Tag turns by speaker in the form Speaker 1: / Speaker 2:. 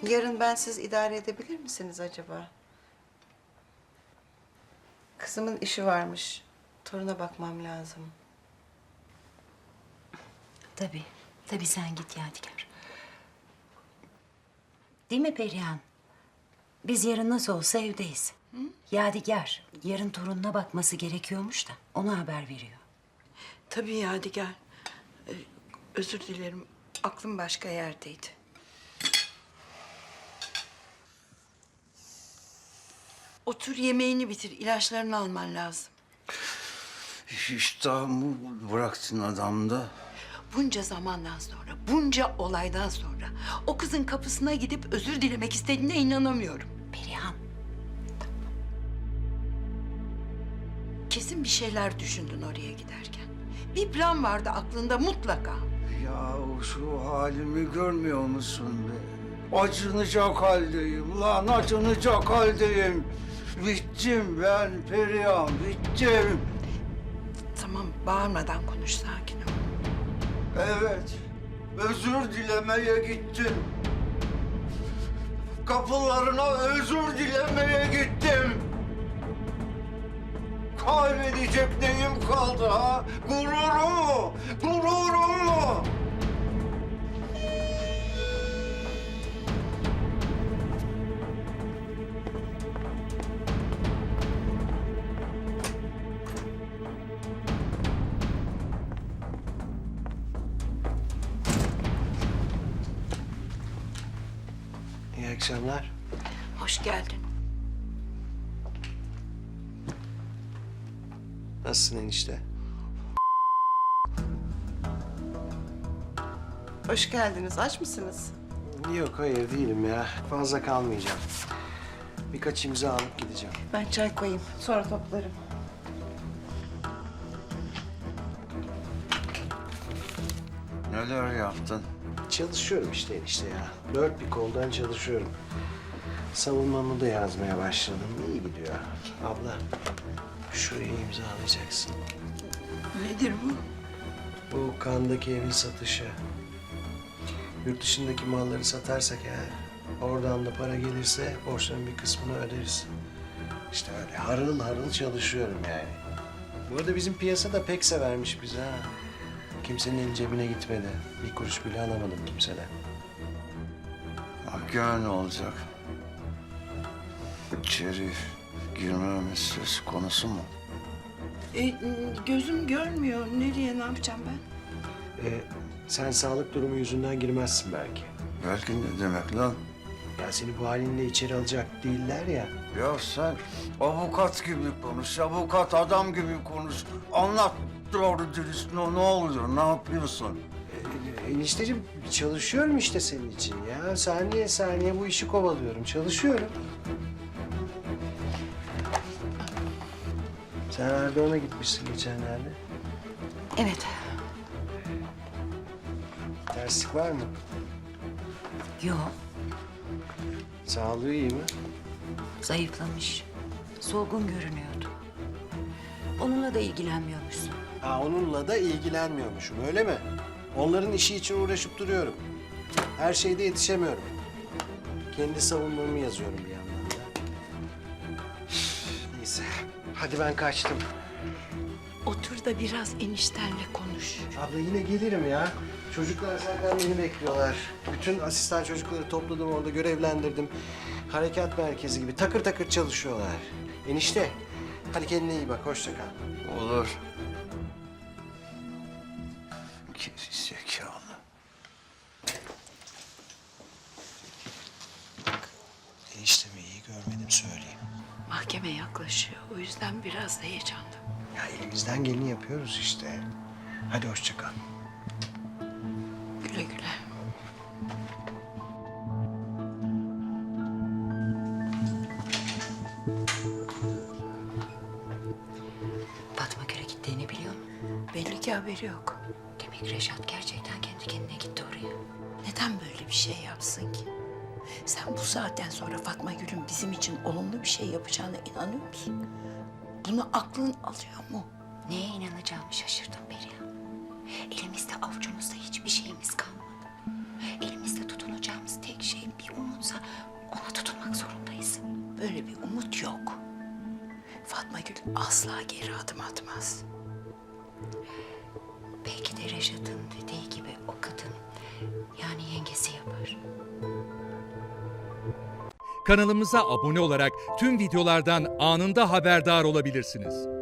Speaker 1: Yarın bensiz idare edebilir misiniz acaba? Kızımın işi varmış. Toruna bakmam lazım.
Speaker 2: Tabii. Tabii sen git Yadigar. Değil mi Perihan? Biz yarın nasıl olsa evdeyiz. Hı? Yadigar, yarın torununa bakması gerekiyormuş da ona haber veriyor.
Speaker 1: Tabii Yadigar. Özür dilerim. Aklım başka yerdeydi. Otur yemeğini bitir. İlaçlarını alman lazım.
Speaker 3: İştahımı bıraktın adamda.
Speaker 1: Bunca zamandan sonra, bunca olaydan sonra o kızın kapısına gidip özür dilemek istediğine inanamıyorum.
Speaker 2: Perihan,
Speaker 1: Kesin bir şeyler düşündün oraya giderken. Bir plan vardı aklında mutlaka.
Speaker 3: Ya şu halimi görmüyor musun be? Acınacak haldeyim lan, acınacak haldeyim. Bittim ben Perihan, bittim.
Speaker 1: Tamam, bağırmadan konuş, sakin ol.
Speaker 3: Evet, özür dilemeye gittim. Kapılarına özür dilemeye gittim. Kaybedecek neyim kaldı ha? Gururum mu? Gururum mu?
Speaker 4: İyi akşamlar.
Speaker 1: Hoş geldin.
Speaker 4: Nasılsın enişte?
Speaker 1: Hoş geldiniz. Aç mısınız?
Speaker 4: Yok, hayır değilim ya. Fazla kalmayacağım. Birkaç imza alıp gideceğim.
Speaker 1: Ben çay koyayım. Sonra toplarım.
Speaker 3: Neler yaptın?
Speaker 4: Çalışıyorum işte enişte ya. Dört bir koldan çalışıyorum. Savunmamı da yazmaya başladım. İyi gidiyor. Abla, şuraya imzalayacaksın.
Speaker 1: Nedir bu?
Speaker 4: Bu Kandaki evin satışı. Yurt dışındaki malları satarsak eğer, oradan da para gelirse borçların bir kısmını öderiz. İşte öyle harıl harıl çalışıyorum yani. Bu arada bizim piyasa da pek severmiş bizi ha. Kimsenin eli cebine gitmedi. Bir kuruş bile alamadım kimseden.
Speaker 3: Gel ne olacak? İçeri girmemiz söz konusu mu?
Speaker 1: Gözüm görmüyor. Nereye, ne yapacağım ben?
Speaker 4: Sen sağlık durumu yüzünden girmezsin belki.
Speaker 3: Belki ne demek lan?
Speaker 4: Ya seni bu halinle içeri alacak değiller ya.
Speaker 3: Ya sen avukat gibi konuş, avukat adam gibi konuş. Anlat doğru dürüst ne oluyor, ne yapıyorsun?
Speaker 4: Enişteciğim çalışıyorum işte senin için ya. Saniye saniye bu işi kovalıyorum. Çalışıyorum. Sen Erdoğan'a gitmişsin geçenlerde.
Speaker 2: evet.
Speaker 4: Terslik var mı?
Speaker 2: Yok,
Speaker 4: Sağlığı iyi mi?
Speaker 2: zayıflamış. Solgun görünüyordu. Onunla da ilgilenmiyormuşsun.
Speaker 4: Ha, onunla da ilgilenmiyormuşum öyle mi? Onların işi için uğraşıp duruyorum. Her şeyde yetişemiyorum. Kendi savunmamı yazıyorum bir yandan da. Neyse. Hadi ben kaçtım.
Speaker 1: Otur da biraz eniştenle konuş.
Speaker 4: Abla yine gelirim ya. Çocuklar zaten beni bekliyorlar. Bütün asistan çocukları topladım orada, görevlendirdim. Harekat merkezi gibi takır takır çalışıyorlar. Enişte, hadi kendine iyi bak, hoşça kal.
Speaker 3: Olur. Geri zekalı.
Speaker 4: Eniştemi iyi görmedim söyleyeyim.
Speaker 1: Mahkeme yaklaşıyor. O yüzden biraz heyecanlı.
Speaker 4: Ya elimizden geleni yapıyoruz işte. Hadi hoşça kal.
Speaker 1: Güle güle.
Speaker 2: Fatma Göl'e gittiğini biliyor mu?
Speaker 1: Belli ki haberi yok.
Speaker 2: Demek Reşat gerçekten kendi kendine gitti oraya.
Speaker 1: Neden böyle bir şey yapsın ki? Sen bu saatten sonra Fatma Gül'ün bizim için olumlu bir şey yapacağına inanıyor musun? Bunu aklın alıyor mu?
Speaker 2: Neye inanacağımı şaşırdım Perihan. Elimizde avucumuzda hiçbir şeyimiz kalmadı. Elimizde tutunacağımız tek şey bir umutsa
Speaker 1: umut yok. Fatma Gül asla geri adım atmaz.
Speaker 2: Belki de Reşat'ın dediği gibi o kadın yani yengesi yapar.
Speaker 5: Kanalımıza abone olarak tüm videolardan anında haberdar olabilirsiniz.